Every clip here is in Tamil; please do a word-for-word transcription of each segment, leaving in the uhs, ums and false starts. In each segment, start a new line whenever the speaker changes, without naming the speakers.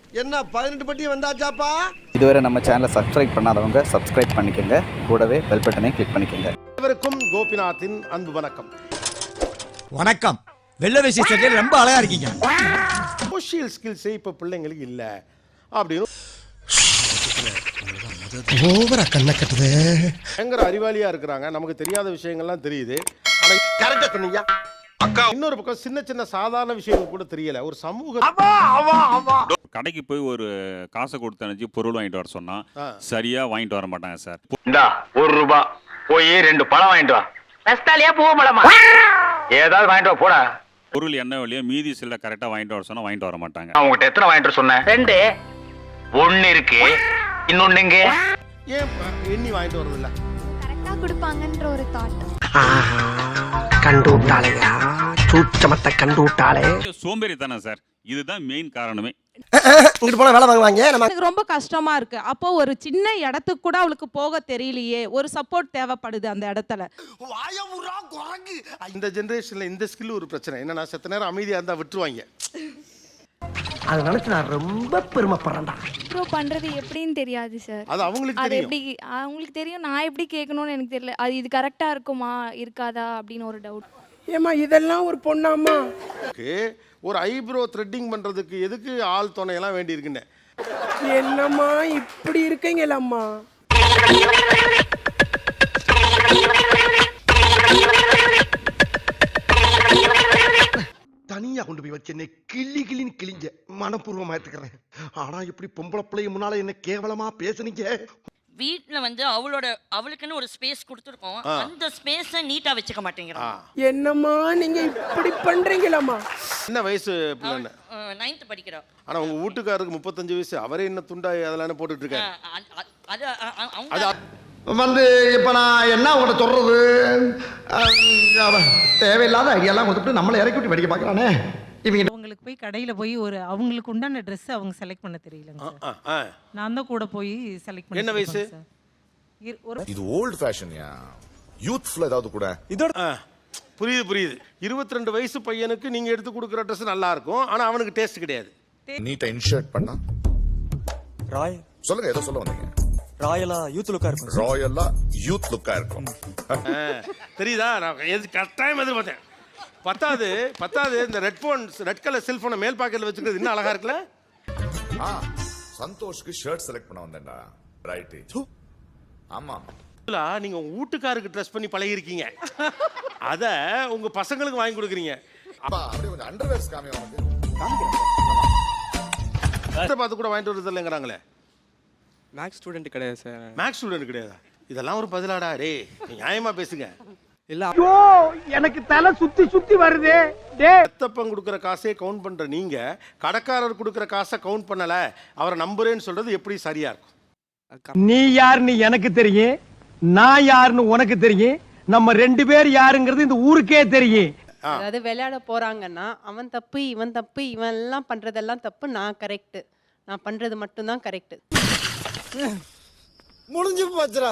என்ன பதினெட்டு பட்டி வந்தாச்சாப்பா?
இதுவரை நம்ம சேனலை சப்ஸ்கிரைப் பண்ணாதவங்க சப்ஸ்கிரைப் பண்ணிக்கோங்க, கூடவே பெல் பட்டனை கிளிக் பண்ணிக்கோங்க.
அனைவருக்கும் கோபிநாத்தின் அன்பு வணக்கம்.
வணக்கம். வெள்ள வேஷ்டி சட்டையில ரொம்ப அழகா இருக்கீங்க.
சோஷியல் ஸ்கில்ஸே இப்ப பிள்ளைங்களுக்கு இல்ல அப்படின்னு
ஓவரா கண்ண கட்டுது.
பயங்கர அறிவாளியா இருக்கிறாங்க, நமக்கு தெரியாத விஷயங்கள்லாம் தெரியுது. ஆனா கரெக்டா சொன்னீங்க அக்கா. இன்னொரு பக்கம் சின்ன சின்ன சாதாரண விஷயங்கள் கூட தெரியல. ஒரு சமூக
கடைக்கு போய் ஒரு காசை கொடுத்து அனுப்பிச்சு பொருள் வாங்கிட்டு வர சொன்னா சரியா வாங்கிட்டு வர மாட்டாங்க சார்.
இந்தா ஒரு ரூபா போய் ரெண்டு பழம் வாங்கிட்டு வா. நஸ்தாலியா பூ பழமா ஏதாவது வாங்கிட்டு வா போடா.
பொருள் என்ன வழியோ மீதி சில கரெக்டா வாங்கிட்டு வர சொன்னா வாங்கிட்டு வர மாட்டாங்க.
நான் உங்ககிட்ட எத்தனை வாங்கிட்டு வர சொன்னேன்? ரெண்டு. ஒன்னு இருக்கு, இன்னொன்னு எங்க?
ஏன் எண்ணி வாங்கிட்டு வரது இல்ல?
கரெக்டா கொடுப்பாங்கன்ற ஒரு தாட்.
கண்டு விட்டாளையா, சூச்சமத்தை கண்டு விட்டாளே.
சோம்பேறி தானே சார், இதுதான் மெயின் காரணமே.
இங்கிட்டு போனா வேலை வாங்குவாங்க.
எனக்கு ரொம்ப கஷ்டமா இருக்கு. அப்போ ஒரு சின்ன இடத்துக்கு கூட அவளுக்கு போக தெரியலையே, ஒரு சப்போர்ட் தேவைப்படுது அந்த இடத்துல.
இந்த ஜெனரேஷன்ல இந்த ஸ்கில் ஒரு பிரச்சனை என்னன்னா, செத்த நேரம் அமைதியா இருந்தா விட்டுருவாங்க.
அதை நினைச்சு நான் ரொம்ப பெருமைப்படுறேன்டா.
ப்ரோ பண்றது எப்படின்னு தெரியாது சார்.
அது அவங்களுக்கு
அது
தெரியும்.
எப்படி அவங்களுக்கு தெரியும், நான் எப்படி கேட்கணும்னு எனக்கு தெரியல. அது இது கரெக்டா இருக்குமா இருக்காதா அப்படின்னு ஒரு டவுட்.
ஏமா இதெல்லாம் ஒரு பொண்ணாமா?
ஒரு ஐப்ரோ த்ரெட்டிங் பண்றதுக்கு எதுக்கு ஆள் துணையெல்லாம் வேண்டி இருக்குன்னு.
என்னம்மா இப்படி இருக்கீங்களம்மா?
தனியா கொண்டு போய் வச்சு என்னை கிள்ளி கிள்ளின்னு கிழிஞ்ச மனப்பூர்வமா எடுத்துக்கிறேன். ஆனா இப்படி பொம்பளை பிள்ளைய முன்னால என்ன கேவலமா பேசுனீங்க.
வீட்ல வந்து அவளோட அவளுக்குன்னு ஒரு ஸ்பேஸ் கொடுத்துருக்கோம், அந்த ஸ்பேஸை நீட்டா வச்சுக்க மாட்டேங்கிறோம்.
என்னம்மா நீங்க இப்படி பண்றீங்களம்மா?
என்ன வயசு பிள்ளைன்னு?
நைன்த் படிக்கிறா.
ஆனா உங்க வீட்டுக்காரருக்கு முப்பத்தஞ்சு வயசு, அவரே என்ன துண்டா அதெல்லாம் போட்டுட்டு இருக்காரு.
அது அவங்க
வந்து இப்போ நான் என்ன உங்கள்கிட்ட சொல்றது, தேவையில்லாத ஐடியாலாம் கொடுத்துட்டு நம்மளை இறக்கி விட்டு படிக்க பார்க்குறானே. இவங்க
அவங்களுக்கு போய் கடையில போய் ஒரு அவங்களுக்கு உண்டான ட்ரெஸ் அவங்க செலக்ட் பண்ண தெரியலங்க சார். நான் தான் கூட போய் செலக்ட் பண்ணி.
என்ன வயசு?
இது ஓல்ட் ஃபேஷன்யா, யூத்ஃபுல் ஏதாவது கூட.
இதோட புரியுது புரியுது. இருபத்தி ரெண்டு வயசு பையனுக்கு நீங்க எடுத்து கொடுக்குற ட்ரெஸ் நல்லா இருக்கும், ஆனா அவனுக்கு டேஸ்ட் கிடையாது.
நீட்டா இன்ஷர்ட் பண்ணா
ராய்
சொல்லுங்க, ஏதோ சொல்ல வந்தீங்க.
ராயலா யூத் லுக்கா இருக்கும்.
ராயலா யூத் லுக்கா இருக்கும்.
தெரியுதா? நான் எது கட்டாயம் எதிர்பார்த்தேன். பத்தாவது பத்தாவது இந்த ரெட் போன் ரெட் கலர் செல்போனை மேல் பாக்கெட்ல வச்சுக்கிறது இன்னும் அழகா இருக்குல்ல?
ஆ சந்தோஷ்க்கு ஷர்ட் செலக்ட் பண்ண வந்தேன்டா. ரைட். ஆமா,
நீங்க உங்க வீட்டுக்காருக்கு ட்ரெஸ் பண்ணி பழகி இருக்கீங்க, அத உங்க பசங்களுக்கு வாங்கி கொடுக்குறீங்க.
அப்பா அப்படியே கொஞ்சம் அண்டர்வேர்ஸ் காமி வந்து
பார்த்து கூட வாங்கிட்டு வரது இல்லைங்கிறாங்களே.
மேக்ஸ் ஸ்டூடெண்ட் கிடையாது சார்.
மேக்ஸ் ஸ்டூடெண்ட் கிடையாதா? இதெல்லாம் ஒரு பதிலாடா? டே நியாயமா பேசுங்க.
இல்ல ஐயோ எனக்கு தலை சுத்தி சுத்தி வருது. டேய்
பெத்தப்பன் கொடுக்குற காசே கவுண்ட் பண்ற நீங்க கடைக்காரர் கொடுக்குற காசை கவுண்ட் பண்ணல, அவரை நம்புறேன்னு சொல்றது எப்படி சரியா இருக்கும்?
நீ யாருன்னு எனக்கு தெரியும், நான் யாருன்னு உனக்கு தெரியும், நம்ம ரெண்டு பேர் யாருங்கிறது இந்த ஊருக்கே தெரியும்.
அதாவது விளையாட போறாங்கன்னா அவன் தப்பு இவன் தப்பு, இவன் எல்லாம் பண்றதெல்லாம் தப்பு, நான் கரெக்ட், நான் பண்றது மட்டும்தான் கரெக்ட்.
முடிஞ்சு போச்சுடா.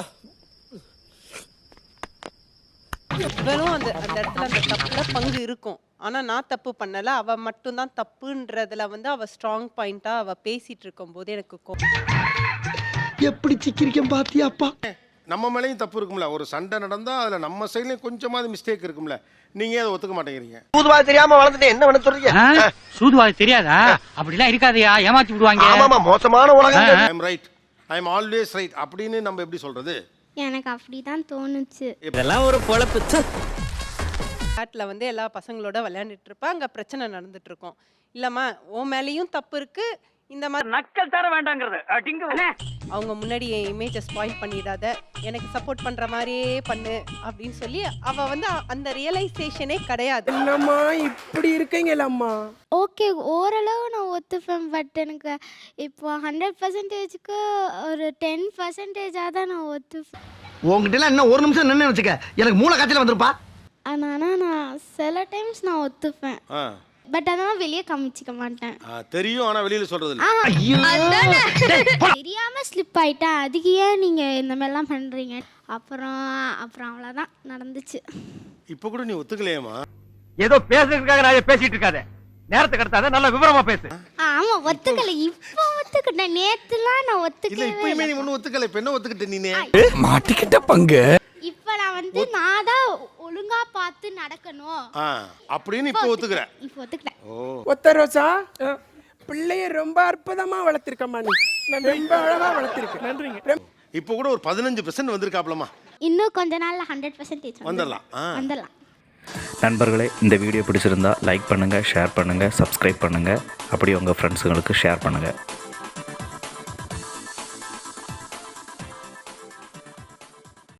வெறும் அந்த அந்த இடத்துல அந்த தப்புல பங்கு இருக்கும், ஆனா நான் தப்பு பண்ணல, அவ மட்டும் தான் தப்புன்றதுல வந்து அவ ஸ்ட்ராங் பாயிண்டா அவ பேசிட்டு இருக்கும் போது எனக்கு கோபம்.
எப்படி சிக்கிரிக்கம் பாத்தியாப்பா?
நம்ம மேலேயும் தப்பு இருக்கும்ல. ஒரு சண்டை நடந்தா அதுல நம்ம சைட்லயும் கொஞ்சமாவது மிஸ்டேக் இருக்கும்ல. நீங்க அதை ஒத்துக்க மாட்டேங்கிறீங்க.
சூதுவாது தெரியாம வளர்ந்துட்டு என்ன பண்ண சொல்றீங்க?
சூதுவாது தெரியாதா? அப்படிலாம் இருக்காதயா, ஏமாத்தி விடுவாங்க.
ஆமாமா, மோசமான உலகம்.
I am right, I am always right அப்படின்னு நம்ம எப்படி சொல்றது?
எனக்கு அப்படிதான் தோணுச்சு.
இதெல்லாம் ஒரு பொழப்பு.
காட்டுல வந்து எல்லா பசங்களோட விளையாண்டுட்டு இருப்பா, அங்க பிரச்சனை நடந்துட்டு இருக்கும். இல்லம்மா உன் மேலேயும் தப்பு இருக்கு, இந்த மாதிரி
நக்கல் தர வேண்டாங்கிறது.
அவங்க முன்னாடி என் இமேஜை ஸ்பாயில் பண்ணிடாத, எனக்கு சப்போர்ட் பண்ற மாதிரியே பண்ணு அப்படின்னு சொல்லி அவ வந்து அந்த ரியலைசேஷனே கிடையாது.
என்னம்மா இப்படி இருக்கீங்களம்மா?
ஓகே ஓரளவு நான் ஒத்துப்பேன், பட் எனக்கு இப்போ ஹண்ட்ரட் பர்சன்டேஜுக்கு ஒரு டென் பர்சன்டேஜாக தான் நான் ஒத்துப்பேன்.
உங்ககிட்ட எல்லாம் இன்னும் ஒரு நிமிஷம் நின்று வச்சுக்க, எனக்கு மூளை காய்ச்சல் வந்திருப்பா.
ஆனால் நான் சில டைம்ஸ் நான் ஒத்துப்பேன், பட் அதெல்லாம் வெளியே காமிச்சிக்க மாட்டேன்.
தெரியும், ஆனா வெளியில சொல்றது இல்ல.
தெரியாம ஸ்லிப் ஆயிட்டேன், அதுக்கு ஏன் நீங்க இந்த மாதிரிலாம் பண்றீங்க? அப்புறம் அப்புறம் அவ்வளோதான் நடந்துச்சு.
இப்போ கூட நீ ஒத்துக்கலையேமா?
ஏதோ பேசுறதுக்காக நான் பேசிட்டு இருக்காத. நேரத்துக்கு கடத்தாத நல்ல விவரமா பேசு.
ஆமா ஒத்துக்கல, இப்போ ஒத்துக்கிட்டேன். நேத்துலாம் நான்
இல்ல
ஒத்துக்கவே
இப்பயுமே
இல்லை.
நீ ஒன்னும் ஒத்துக்கல, இப்ப என்ன ஒத்துக்கிட்ட நீனே?
மாட்டிக்கிட்ட பங்கு.
இப்போ நான் வந்து நான் தான் ஒழுங்கா பார்த்து நடக்கணும்
ஆ, அப்படின்னு இப்ப ஒத்துக்கிற.
இப்போ ஒத்துக்கிட்டேன்.
ஒத்த ரோசா பிள்ளைய ரொம்ப அற்புதமா வளர்த்திருக்கம்மா நீ. ரொம்ப அழகா வளர்த்திருக்க. நன்றிங்க.
இப்போ கூட ஒரு பதினஞ்சு பெர்சென்ட் வந்திருக்காப்லமா.
இன்னும் கொஞ்ச நாள்ல ஹண்ட்ரட் பர்சன்டேஜ்
வந்துடலாம். ஆ.
வந்துடலாம்.
நண்பர்களே, இந்த வீடியோ பிடிச்சிருந்தா லைக் பண்ணுங்கள், ஷேர் பண்ணுங்கள், சப்ஸ்கிரைப் பண்ணுங்கள். அப்படியே உங்கள் ஃப்ரெண்ட்ஸுங்களுக்கு ஷேர் பண்ணுங்கள்.